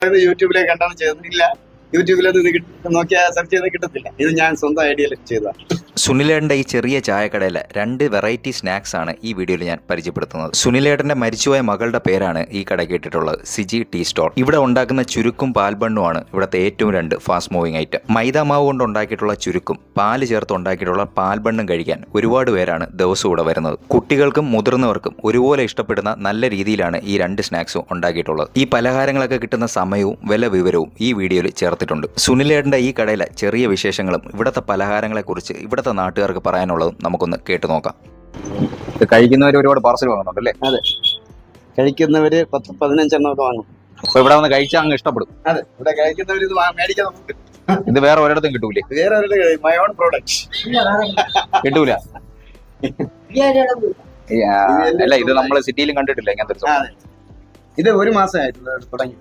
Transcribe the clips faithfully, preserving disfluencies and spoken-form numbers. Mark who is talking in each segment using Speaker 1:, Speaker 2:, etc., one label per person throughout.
Speaker 1: യൂട്യൂബിലെ കണ്ടാണ് ചെയ്തിട്ടില്ല. യൂട്യൂബിലത് ഇത് നോക്കിയാൽ സെർച്ച് ചെയ്ത് കിട്ടത്തില്ല. ഇത് ഞാൻ സ്വന്തം ഐഡിയയിൽ ചെയ്തതാണ്.
Speaker 2: സുനിലേട്ടൻ്റെ ഈ ചെറിയ ചായക്കടയിലെ രണ്ട് വെറൈറ്റി സ്നാക്സ് ആണ് ഈ വീഡിയോയിൽ ഞാൻ പരിചയപ്പെടുത്തുന്നത്. സുനിലേട്ടൻ്റെ മരിച്ചുപോയ മകളുടെ പേരാണ് ഈ കടയ്ക്ക് ഇട്ടിട്ടുള്ളത്, സിജി ടീ സ്റ്റോൾ. ഇവിടെ ഉണ്ടാക്കുന്ന ചുരുക്കും പാൽബണ്ണുമാണ് ഇവിടുത്തെ ഏറ്റവും രണ്ട് ഫാസ്റ്റ് മൂവിങ് ഐറ്റം. മൈദ മാവ് കൊണ്ട് ഉണ്ടാക്കിയിട്ടുള്ള ചുരുക്കും പാല് ചേർത്ത് ഉണ്ടാക്കിയിട്ടുള്ള പാൽബണ്ണും കഴിക്കാൻ ഒരുപാട് പേരാണ് ദിവസവും ഇവിടെ വരുന്നത്. കുട്ടികൾക്കും മുതിർന്നവർക്കും ഒരുപോലെ ഇഷ്ടപ്പെടുന്ന നല്ല രീതിയിലാണ് ഈ രണ്ട് സ്നാക്സും ഉണ്ടാക്കിയിട്ടുള്ളത്. ഈ പലഹാരങ്ങളൊക്കെ കിട്ടുന്ന സമയവും വില വിവരവും ഈ വീഡിയോയിൽ ചേർത്തിട്ടുണ്ട്. സുനിലേട്ടൻ്റെ ഈ കടയിലെ ചെറിയ വിശേഷങ്ങളും ഇവിടുത്തെ പലഹാരങ്ങളെക്കുറിച്ച് ഇവിടുത്തെ നാട്ടുകാർക്ക് പറയാനുള്ളതും നമുക്കൊന്ന് കേട്ടു നോക്കാം. കഴിക്കുന്നവർ ഒരുപാട് പാർസൽ വാങ്ങുന്നുണ്ടല്ലേ?
Speaker 1: അതെ, കഴിക്കുന്നവര് പത്ത് പതിനഞ്ചെണ്ണം വാങ്ങും.
Speaker 2: അപ്പൊ ഇവിടെ വന്ന് കഴിച്ചാൽ അങ്ങ് ഇഷ്ടപ്പെടും.
Speaker 1: അതെ, ഇവിടെ കഴിക്കുന്നവർ ഇത് മേടിക്കാൻ നമുക്ക്
Speaker 2: ഇത് വേറെ ഒരിടത്തും കിട്ടൂലേ?
Speaker 1: വേറെ മൈ ഓൺ പ്രോഡക്റ്റ്
Speaker 2: കിട്ടൂല. അല്ല, ഇത് നമ്മള് സിറ്റിയിലും കണ്ടിട്ടില്ല ഇങ്ങനത്തെ.
Speaker 1: ഇത് ഒരു മാസമായിട്ടുള്ള തുടങ്ങി.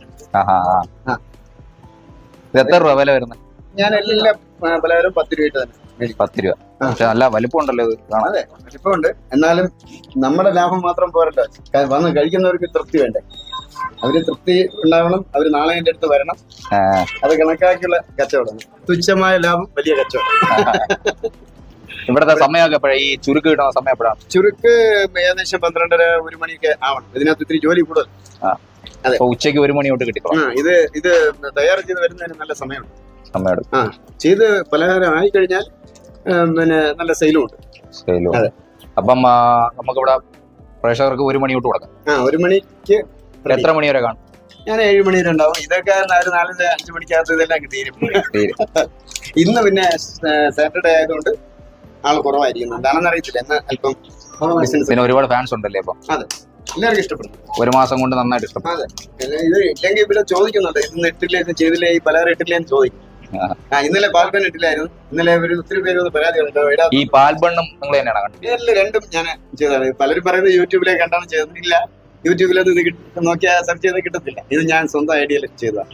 Speaker 2: ഇത് എത്ര രൂപ വില വരുന്നത്?
Speaker 1: ഞാൻ എല്ലാ പലഹാരം പത്ത് രൂപ തന്നെ.
Speaker 2: പത്ത് രൂപ. നല്ല വലിപ്പം ഉണ്ടല്ലോ ഇത്.
Speaker 1: അതെ, വലിപ്പമുണ്ട്. എന്നാലും നമ്മുടെ ലാഭം മാത്രം പോരല്ലോ, വന്ന് കഴിക്കുന്നവർക്ക് തൃപ്തി വേണ്ടേ. അവര് തൃപ്തി ഉണ്ടാവണം. അവര് നാളെ എന്റെ അടുത്ത് വരണം. അത് കണക്കാക്കിയുള്ള കച്ചവടം. തുച്ഛമായ ലാഭം, വലിയ കച്ചവടം.
Speaker 2: ഇവിടത്തെ സമയമൊക്കെ എപ്പോഴാണ്? ഈ ചുരുക്ക് കിട്ടുന്ന സമയം എപ്പോഴാണ്?
Speaker 1: ചുരുക്ക് ഏകദേശം പന്ത്രണ്ടര ഒരു മണിയൊക്കെ ആവണം. ഇതിനകത്ത് ഇത്തിരി ജോലി കൂടുതൽ.
Speaker 2: അതെ, ഉച്ചയ്ക്ക് ഒരു മണി തൊട്ട് കിട്ടിക്കോളാം.
Speaker 1: ഇത് ഇത് തയ്യാർ ചെയ്ത് വരുന്നതിന് നല്ല സമയമുണ്ട്.
Speaker 2: സമയമുണ്ട്.
Speaker 1: ആ, ചെയ്ത് പലഹാരം ആയി കഴിഞ്ഞാൽ പിന്നെ നല്ല സെയിലും ഉണ്ട്.
Speaker 2: സെയിലും. അതെ. അപ്പം നമുക്കിവിടെ പ്രേക്ഷകർക്ക് ഒരു മണി തൊട്ട് കൊടുക്കാം.
Speaker 1: ആ, ഒരു മണിക്ക്.
Speaker 2: എത്ര മണി വരെ കാണും?
Speaker 1: ഞാൻ ഏഴ് മണി വരെ ഉണ്ടാവും. ഇതൊക്കെ ഒരു നാലഞ്ച് അഞ്ചു മണിക്കകത്ത് ഇതെല്ലാം തീരും. ഇന്ന് പിന്നെ സാറ്റർഡേ ആയതുകൊണ്ട് ആൾ കുറവായിരിക്കും. എന്താണെന്ന് അറിയത്തില്ല. എന്ന് അല്പം ബിസിനസ്.
Speaker 2: പിന്നെ ഒരുപാട് ഫാൻസ് ഉണ്ടല്ലേ ഇപ്പൊ?
Speaker 1: അതെ, എല്ലാവർക്കും ഇഷ്ടപ്പെടുന്നു.
Speaker 2: ഒരു മാസം കൊണ്ട് നന്നായിട്ട് ഇഷ്ടപ്പെടും.
Speaker 1: അതെ, ഇത് ഇല്ലെങ്കിൽ ഇവിടെ ചോദിക്കുന്നുണ്ട്, ഇന്ന് ഇട്ടില്ലേ, ഇത് ചെയ്തില്ലേ, ഈ പലഹാരം ഇട്ടില്ലേ എന്ന് ചോദിക്കും. ആ, ഇന്നലെ പാൽബൺ ഇട്ടില്ലായിരുന്നു. ഇന്നലെ ഒരു ഒത്തിരി പേര് പരാതി കണ്ടോ.
Speaker 2: ഈ പാൽബണ്ണും നിങ്ങൾ തന്നെയാണ് കണ്ടത്?
Speaker 1: രണ്ടും ഞാൻ ചെയ്തതാണ്. പലരും പറയുന്നത് യൂട്യൂബിലെ കണ്ടാണ് ചെയ്തിട്ടില്ല. യൂട്യൂബിലത് ഇത് നോക്കിയാൽ സെർച്ച് ചെയ്ത് കിട്ടത്തില്ല. ഇത് ഞാൻ സ്വന്തം ഐഡിയയിൽ ചെയ്തതാണ്.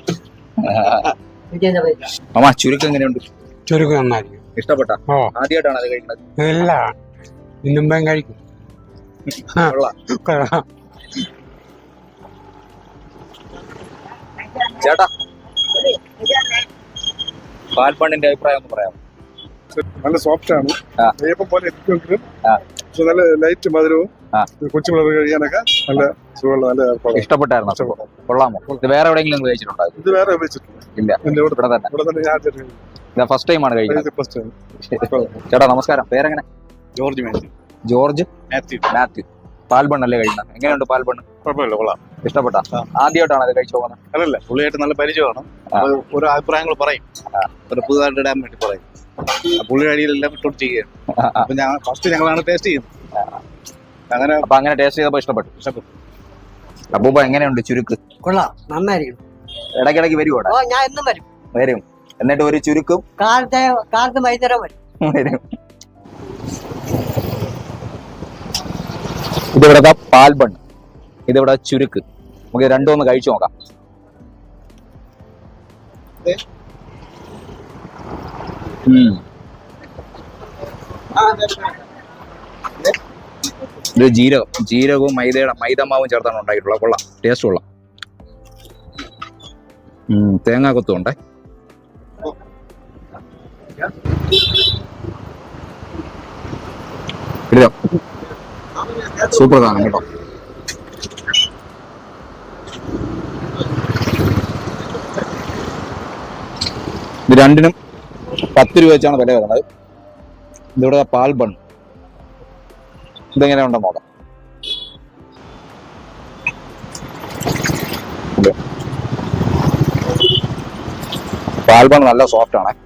Speaker 2: അമ്മ, ചുരുക്കം എങ്ങനെയുണ്ട്?
Speaker 3: ചുരുക്കം നന്നായിരിക്കും.
Speaker 2: ഇഷ്ടപ്പെട്ട? ആദ്യമായിട്ടാണ് അത് കഴിക്കുന്നത്?
Speaker 3: ഇല്ല, ഇന്നും കഴിക്കും.
Speaker 2: ചേട്ടാ, പാൽബണ്ണിന്റെ അഭിപ്രായം ഒന്ന് പറയാം.
Speaker 4: നല്ല സോഫ്റ്റ് ആണ്. നെയ്യപ്പം പോലെ ഇരിക്കുമെങ്കിലും പക്ഷെ നല്ല ലൈറ്റ് മധുരവും കൊച്ചു പിള്ളേർ കഴിക്കാനൊക്കെ നല്ല സുഖമുള്ള നല്ല ഏർപ്പാട്.
Speaker 2: ഇഷ്ടപ്പെട്ടായിരുന്നു? കൊള്ളാമോ? ഇത് വേറെ എവിടെയെങ്കിലും കഴിച്ചിട്ടുണ്ടോ?
Speaker 4: ഇത് വേറെ ഉപയോഗിച്ചിട്ടില്ല.
Speaker 2: ഇല്ല, ഇവിടെ തന്നെ.
Speaker 4: ഇവിടെ തന്നെ ഞാൻ
Speaker 2: ഇതാ ഫസ്റ്റ് ടൈം ആണ് കഴിക്കുന്നത്.
Speaker 4: First time.
Speaker 2: ചേട്ടാ നമസ്കാരം, പേരെങ്ങനെ?
Speaker 4: ജോർജ് മാത്യു.
Speaker 2: ജോർജ്
Speaker 4: മാത്യു.
Speaker 2: മാത്യു. പാൽബണ്ണല്ലേ കഴിക്കുന്നത്? എങ്ങനെയുണ്ട് പാൽബണ്ണ്?
Speaker 4: കുഴപ്പമില്ല, കൊള്ളാം.
Speaker 2: ഇഷ്ടപ്പെട്ടാ? ആദ്യമായിട്ടാണ് അത് കഴിച്ചു പോകുന്നത്?
Speaker 4: അല്ലല്ല, പുള്ളിയായിട്ട് നല്ല പരിചയമാണ്. ഓരോ അഭിപ്രായങ്ങൾ പറയും, ഒരു പുതുതായിട്ട് ഇടാൻ വേണ്ടി പറയും. പുള്ളിയുടെ അടിയിലെല്ലാം ഇട്ടോട്ട് ചെയ്യുകയാണ്. അപ്പൊ ഞാൻ ഫസ്റ്റ് ഞങ്ങളാണ് ടേസ്റ്റ് ചെയ്യുന്നത്. അങ്ങനെ
Speaker 2: അപ്പൊ അങ്ങനെ ടേസ്റ്റ് ചെയ്തപ്പോ ഇഷ്ടപ്പെട്ടു.
Speaker 4: ഇഷ്ടപ്പെട്ടു.
Speaker 2: അപ്പൂപ്പ എങ്ങനെയുണ്ട് ചുരുക്ക്?
Speaker 5: കൊള്ളാം, നന്നായിരിക്കും.
Speaker 2: ഇടയ്ക്കിടയ്ക്ക് വരുവോ?
Speaker 5: ഞാൻ എന്നും വരും.
Speaker 2: വരും. എന്നിട്ട് ഒരു ചുരുക്കും
Speaker 5: കാലത്തെ കാലത്ത് വൈകുന്നേരം വരും.
Speaker 2: വരും. ഇതിവിടെ പാൽബണ്ണ്, ഇതിവിടെ ചുരുക്ക്. നമുക്ക് രണ്ടും ഒന്ന് കഴിച്ചു നോക്കാം. ഇത് ജീരകം ജീരകവും മൈദയുടെ മൈദമാവും ചേർത്താണ് ഉണ്ടാക്കിയിട്ടുള്ളത്. കൊള്ളാം, ടേസ്റ്റ് കൊള്ളാം. തേങ്ങാ കൊത്തും ഉണ്ടേ. സൂപ്പർ സാധനം കേട്ടോ. ഇത് രണ്ടിനും പത്ത് രൂപ വെച്ചാണ് വില വരുന്നത്. ഇതിവിടെ പാൽബൺ. ഇതെങ്ങനെ ഉണ്ടെന്ന് നോക്കാം. പാൽബൺ നല്ല സോഫ്റ്റ് ആണ്.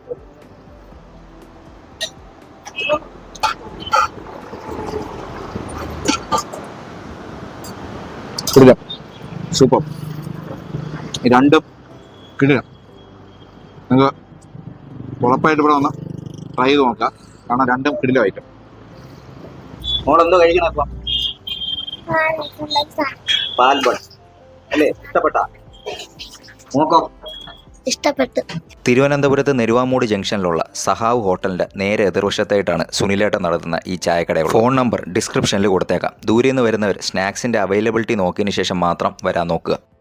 Speaker 2: കിടിലം, സൂപ്പർ. രണ്ടും കിടിലം. നിങ്ങൾക്ക് ഉറപ്പായിട്ട് ഇവിടെ വന്ന് ട്രൈ ചെയ്ത് നോക്കാം. കാരണം രണ്ടും കിടിലം ഐറ്റം. മോളെന്തോ കഴിക്കണം ഇപ്പം? പാൽബൺ അല്ലേ? ഇഷ്ടപ്പെട്ടാ? നോക്കാം.
Speaker 5: ഇഷ്ടപ്പെട്ടു.
Speaker 2: തിരുവനന്തപുരത്ത് നെരുവാമൂട് ജംഗ്ഷനിലുള്ള സഹാവ് ഹോട്ടലിന്റെ നേരെ എതിർവശത്തായിട്ടാണ് സുനിലേട്ടൻ നടത്തുന്ന ഈ ചായക്കട. ഫോൺ നമ്പർ ഡിസ്ക്രിപ്ഷനിൽ കൊടുത്തേക്കാം. ദൂരെ നിന്ന് വരുന്നവർ സ്നാക്സിന്റെ അവൈലബിലിറ്റി നോക്കിയതിനു ശേഷം മാത്രം വരാൻ നോക്കുക.